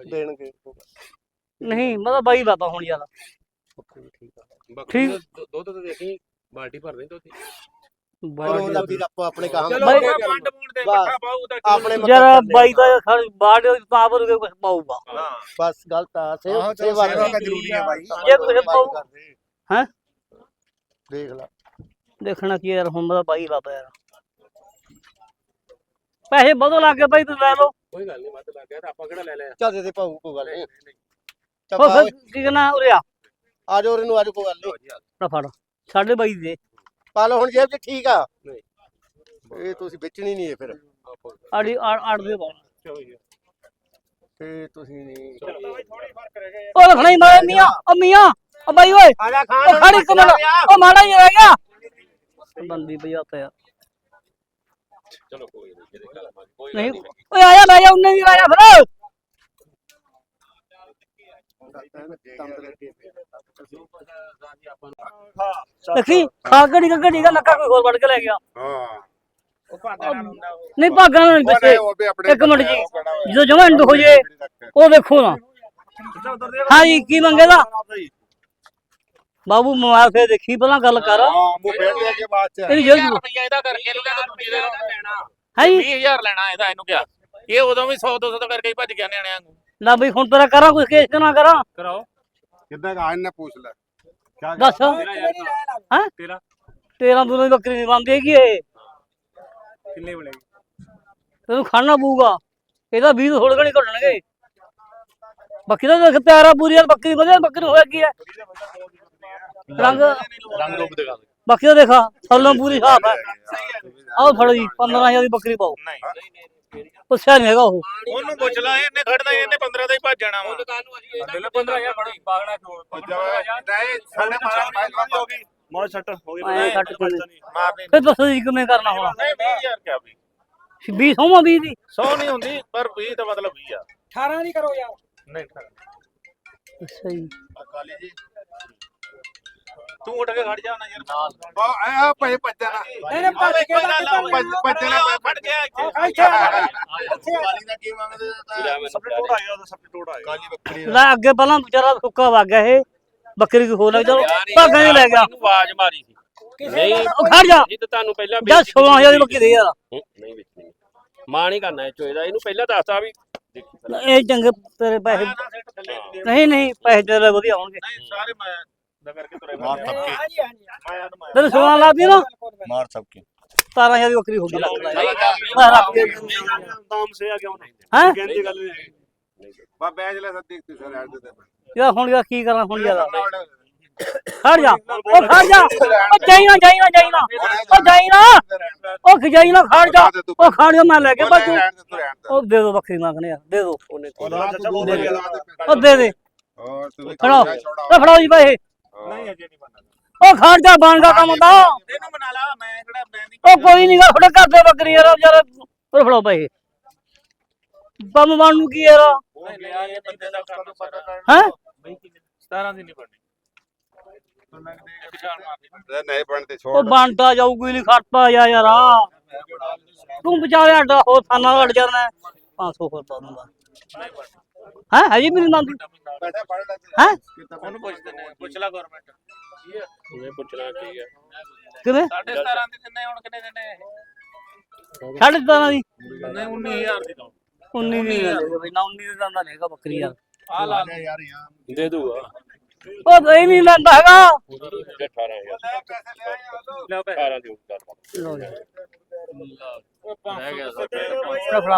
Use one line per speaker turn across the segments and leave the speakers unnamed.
ਦੇਣਗੇ
ਨਹੀਂ ਮਤਲਬ ਬਾਈ ਬਾਬਾ ਹੁਣ ਯਾਰ
ਬੱਕਰੀ ਦੁੱਧ ਤੇ ਦੇਖੀ ਬਾਲਟੀ ਭਰ ਦੇ ਦੁੱਧ
ਚਲੋ ਦਾ ਵੀਰ ਆਪੋ ਆਪਣੇ ਕੰਮ
ਚਲੋ
ਬਾਈ-
ਵੰਡ ਵੁੰਡ ਦੇ ਇਕੱਠਾ ਪਾਉ ਤਾਂ
ਆਪਣੇ
ਯਾਰ ਬਾਈ ਦਾ ਬਾੜ ਪਾਵਰ ਕੇ ਕੁਝ ਪਾਊਗਾ
ਹਾਂ
ਬਸ ਗਲਤ ਆ
ਆਹੋ, ਚਲੋ
ਸੇਵਾ
ਸੇਵਾ ਤਾਂ ਜ਼ਰੂਰੀ ਹੈ ਬਾਈ।
ਜੇ ਕੁਛ ਪਾਊ ਹੈਂ?
ਦੇਖ ਲੈ
ਦੇਖਣਾ ਕੀ ਯਾਰ ਹੁਣ ਦਾ ਬਾਈ ਬਾਬਾ ਯਾਰ ਪੈਸੇ ਵਧੋ ਲੱਗ ਗਏ ਬਾਈ ਤੂੰ ਲੈ ਲਓ
ਕੋਈ ਗੱਲ ਨਹੀਂ ਵੱਧ ਲੱਗ ਗਿਆ ਤਾਂ ਆਪਾਂ ਕਿਹੜਾ ਲੈ ਲਿਆ
ਚੱਲ ਦੇ ਦੇ ਭਾਊ ਕੋਈ ਗੱਲ ਨਹੀਂ
ਉਹ ਫਿਰ ਕੀ ਕਰਨਾ ਉਰੇ ਆ
ਆ ਜਾਓ ਇਹਨੂੰ ਅੱਜ ਕੋਈ ਗੱਲ ਨਹੀਂ
ਨਾ ਫੜ ਸਾਡੇ ਬਾਈ ਦੇ
ਪਾ ਲਓ ਹੁਣ ਜੇਬ 'ਚ ਠੀਕ ਆ
ਨਹੀਂ।
ਇਹ ਤੁਸੀਂ ਵੇਚਣੀ ਨਹੀਂ ਇਹ ਫਿਰ
ਆੜੀ ਆੜ ਦੇ ਪਾਉਣਾ
ਤੇ ਤੁਸੀਂ ਨਹੀਂ
ਉਹ ਰੱਖਣਾ ਹੀ ਮਾਰੇ ਮੀਆਂ ਉਹ ਮੀਆਂ ਉਹ ਬਾਈ ਓਏ
ਆ ਜਾ
ਉਹ ਖੜੀ ਕਮਲ ਉਹ ਮਾੜਾ ਹੀ ਰਹਿ ਗਿਆ ਬੰਦੀ ਭਜਾਤਾ ਯਾਰ
ਚਲੋ ਕੋਈ ਨਹੀਂ ਜਿਹਦੇ ਗੱਲ ਮਾਰ ਕੋਈ
ਨਹੀਂ ਓਏ ਆਇਆ ਲੈ ਜਾ ਉਹਨੇ ਵੀ ਆਇਆ ਫਿਰ ਦੇਖੀ ਖਾ ਘੜੀ ਘੜੀ ਦਾ ਨੱਕਾ ਕੋਈ ਹੋਰ ਵੜ ਕੇ ਲੈ ਗਿਆ
ਹਾਂ
ਉਹ ਭਾਗਾ ਨਾਲ ਹੁੰਦਾ ਉਹ
ਨਹੀਂ ਭਾਗਾਂ ਨਾਲ ਪਿੱਛੇ ਇੱਕ ਮਿੰਟ ਜੀ ਜਦੋਂ ਜਮਾਂ ਐਂਡ ਹੋ ਜੇ ਉਹ ਵੇਖੋ ਨਾ ਹਾਂ ਜੀ ਕੀ ਮੰਗੇਗਾ ਬਾਬੂ ਮੋਬਾਈਲ ਫੇਰ ਦੇਖੀ ਪਹਿਲਾਂ ਗੱਲ ਕਰ
ਹਾਂ ਮੂੰਹ ਫੇਰ ਦੇ ਕੇ ਬਾਅਦ ਚ
ਇਹਦੀ ਜੇਬ
ਰੁਪਈਆ ਇਹਦਾ ਕਰਕੇ ਇਹਨੂੰ ਕਹਿੰਦਾ ਦੂਜੀ ਦੇ ਲੈਣਾ
ਹੈ ਜੀ
20000 ਲੈਣਾ ਇਹਦਾ ਇਹਨੂੰ ਕਿਹਾ ਇਹ ਉਦੋਂ ਵੀ 100 200 ਕਰਕੇ ਹੀ ਭੱਜ ਗਿਆ ਨਿਆਣਿਆਂ ਨੂੰ
ਨਾ ਬਈ ਹੁਣ ਤੇਰਾ ਕਰਾਂ ਕੁਝ ਕੇਸ ਨਾ ਕਰਾਂ
ਕਰਾਓ
ਕਿੰਨਾ ਕਾ ਇਹਨੇ ਪੁੱਛ ਲੈ ਕਿਆ
ਦੱਸ
ਹਾਂ ਤੇਰਾ
13 ਦੂਰਾਂ ਦੀ ਬੱਕਰੀ ਨਹੀਂ ਬਣਦੀ ਹੈਗੀ ਇਹ
ਕਿੰਨੇ ਬਣੇਗੀ
ਤੈਨੂੰ ਖਾਣਾ ਪਊਗਾ ਇਹਦਾ 20 ਥੋੜੇ ਘਣੀ ਘਟਣਗੇ ਬੱਕਰੀ ਦਾ ਦੇਖ ਪਿਆਰਾ ਪੂਰੀ ਯਾਰ ਬੱਕਰੀ ਵਧੀਆ ਬੱਕਰੀ ਹੋਇਆ ਕੀ ਹੈ ਰੰਗ
ਰੰਗ ਰੂਪ ਦਿਖਾ ਦੇ
ਬੱਕਰੀ ਦਾ ਦੇਖਾ ਥੱਲੋਂ ਪੂਰੀ ਸਾਫ ਹੈ ਆਓ ਫੜੋ ਜੀ 15000 ਦੀ ਬੱਕਰੀ ਪਾਓ
ਨਹੀਂ
ਪੁੱਛਿਆ ਨਹੀਂ ਹੈਗਾ ਉਹ
ਉਹਨੂੰ ਪੁੱਛ ਲੈ ਇਹਨੇ ਖੜਦਾ ਇਹਨੇ 15 ਦਾ ਹੀ ਭੱਜ ਜਾਣਾ ਵਾ ਲੈ 15000 ਫੜੋ ਬਾਗਣਾ
ਨਹੀਂ ਸਾਡੇ ਮਾਰਾ ਹੋ ਗਈ
ਮੋੜ ਛੱਟ ਹੋ
ਐਂ ਕੱਟ ਕੇ
ਮਾਰਨੀ
ਫਿਰ ਦੱਸੋ ਜੀ ਕਿਵੇਂ ਕਰਨਾ ਹੋਣਾ
ਨਹੀਂ 20000 ਕਿਆ ਵੀ
20 ਹੋਵਾਂ 20 ਦੀ
100 ਨਹੀਂ ਹੁੰਦੀ ਪਰ 20 ਦਾ ਮਤਲਬ 20 ਆ
18 ਨਹੀਂ ਕਰੋ ਯਾਰ
ਨਹੀਂ
ਅੱਛਾ ਜੀ
ਕਾਲੀ ਜੀ
ਤੂੰ ਉੱਠ ਕੇ ਖੜ ਜਾ ਨਾ ਯਾਰ ਨਾਲ
ਆ ਭਾਈ ਭੱਜਣਾ
ਇਹਨੇ ਭੱਜ ਕੇ
ਭੱਜਣਾ
ਖੜ ਗਿਆ ਇੱਥੇ
ਕਾਲੀ ਦਾ ਕੀ ਮੰਗਦੇ
ਸਬਟਿਊਟ ਆ ਗਿਆ ਉਹਦਾ ਸਬਟਿਊਟ ਆ ਗਿਆ
ਕਾਲੀ ਬੱਕਰੀ
ਲੈ ਅੱਗੇ ਪਹਿਲਾਂ ਵਿਚਾਰਾ ਸੁੱਕਾ ਵਗ ਗਿਆ ਇਹ ਬੱਕਰੀ ਕੀ ਹੋ ਲੱਗ ਜਾ ਭਾਗਾਂ ਚ ਲੈ ਗਿਆ
ਆਵਾਜ਼ ਮਾਰੀ ਸੀ
ਨਹੀਂ
ਉਹ ਖੜ ਜਾ
ਜਿੱਦ ਤੁਹਾਨੂੰ ਪਹਿਲਾਂ
ਜਾ 16000 ਦੀ ਬੱਕਰੀ ਦੇ ਯਾਰ
ਨਹੀਂ ਵੇਚਣੀ ਮਾਂ ਨਹੀਂ ਕਰਨਾ ਇਹ ਚੋਏ ਦਾ ਇਹਨੂੰ ਪਹਿਲਾਂ ਦੱਸਤਾ ਵੀ
ਇਹ ਚੰਗੇ ਤੇਰੇ ਪੈਸੇ ਨਹੀਂ ਨਹੀਂ ਪੈਸੇ ਤੇਰੇ ਵਧੀਆ ਹੋਣਗੇ
ਨਹੀਂ ਸਾਰੇ ਮੈਂ ਦਾ ਕਰਕੇ ਤੁਰੇ
ਮਾਰ ਥੱਕੇ
ਹਾਂਜੀ ਹਾਂਜੀ
ਮਾਇਆ ਤਾਂ ਮਾਇਆ
ਤੈਨੂੰ 16 ਲਾਤੀ ਨਾ
ਮਾਰ ਸਬਕੇ
17000 ਦੀ ਬੱਕਰੀ ਹੋ ਗਈ ਲੱਗਦਾ ਮੈਂ ਰੱਖ ਕੇ
ਦਾਮ ਸੇ ਆ ਕਿਉਂ ਨਹੀਂ
ਹੈ
ਕਹਿੰਦੀ ਗੱਲ ਨਹੀਂ
ਬਾ ਬੈਜ ਲੈ ਸੱਦੀ ਤੇ ਸਰ ਐਡ ਦੇ
ਯਾਰ ਹੁਣ ਯਾਰ ਕੀ ਕਰਾਂ ਹੁਣ ਯਾਰ ਖੜ ਜਾ ਉਹ ਖੜ ਜਾ ਉਹ ਜਾਈ ਨਾ ਜਾਈ ਨਾ ਜਾਈ ਨਾ ਉਹ ਜਾਈ ਨਾ ਉਹ ਖਜਾਈ ਨਾ ਖੜ ਜਾ ਉਹ ਖੜ ਜਾ ਮੈਂ ਲੈ ਕੇ ਬਾਜੂ ਉਹ ਦੇ ਦੋ ਬੱਕਰੀ ਮੰਗਣੇ ਯਾਰ ਦੇ ਦੋ ਉਹ ਦੇ ਦੇ
ਹੋਰ ਤੂੰ
ਫੜਾਓ ਉਹ ਫੜਾਓ ਜੀ ਭਾਈ
ਨਹੀਂ ਅਜੇ ਨਹੀਂ ਬਣਨਾ
ਉਹ ਖੜ ਜਾ ਬਣ ਦਾ ਕੰਮ ਦਾ
ਇਹਨੂੰ ਬਣਾ ਲਾ ਮੈਂ ਕਿਹੜਾ ਮੈਂ ਨਹੀਂ
ਉਹ ਕੋਈ ਨਹੀਂ ਗਾ ਥੋੜਾ ਘਰ ਦੇ ਬੱਕਰੀ ਯਾਰ ਯਾਰ ਉਹ ਫੜਾਓ ਭਾਈ ਬੰਮ ਬਣ ਨੂੰ ਕੀ ਯਾਰ
ਨਹੀਂ ਲਿਆ ਇਹ ਬੰਦੇ ਦਾ ਕੰਮ ਪਤਾ
ਹੈ
17 ਦੀ ਨਹੀਂ ਬਣਨੀ ਪਛਾਣ ਮਾਰਦੀ
ਨਹੀਂ ਬਣਦੇ ਛੋੜ
ਉਹ ਬਣਦਾ ਜਾਊਗੀ ਨਹੀਂ ਖੜਤਾ ਯਾਰ ਤੂੰ ਵਿਚਾਰੇ ਅੱਡਾ ਹੋ ਥਾਨਾ ਅੜ ਜਾਣਾ 500 ਹੋਰ ਪਾ ਦੂੰਗਾ ਹੈ ਹਜੀ ਮੇਰੀ ਮੰਗ
ਬੈਠਾ ਪੜ ਲੈ
ਹੈ
ਉਹਨੂੰ ਪੁੱਛਦੇ ਨੇ ਪੁੱਛ ਲੈ ਗਵਰਨਮੈਂਟ ਕੀ ਹੈ ਇਹ ਪੁੱਛਣਾ ਕੀ ਹੈ
ਕਿਵੇਂ
17.5 ਦੀ ਦਿੰਨੇ ਹੁਣ ਕਿੰਨੇ ਦਿੰਨੇ ਇਹ
17.5 ਦੀ
ਨਹੀਂ 19000 ਦੀ ਦੋ
19 ਦੀ ਬਈ ਨਾ 19 ਦੀ ਦੰਦਾ ਨਹੀਂਗਾ ਬੱਕਰੀ ਯਾਰ
ਆ ਲਾ
ਯਾਰ ਯਾਰ
ਦੇ ਦੂਗਾ
ਉਹ ਨਹੀਂ ਨਹੀਂ ਲੈਂਦਾ ਹੈਗਾ
18000 ਲੈ 18 ਦੀ ਉੱਪਰ
ਲਓ ਜੀ
ਰਹਿ ਗਿਆ
ਫੜਾ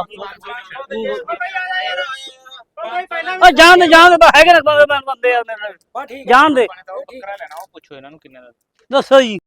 ਉਹ ਜਾਣ ਦੇ ਹੈਗੇ ਨੇ ਬੰਦੇ ਯਾਰ ਮੇਰੇ ਨਾਲ
ਬਾ ਠੀਕ
ਜਾਣ ਦੇ
ਬੱਕਰਾ ਲੈਣਾ ਉਹ ਪੁੱਛੋ ਇਹਨਾਂ ਨੂੰ ਕਿੰਨੇ ਦਾ
ਦੱਸੋ ਜੀ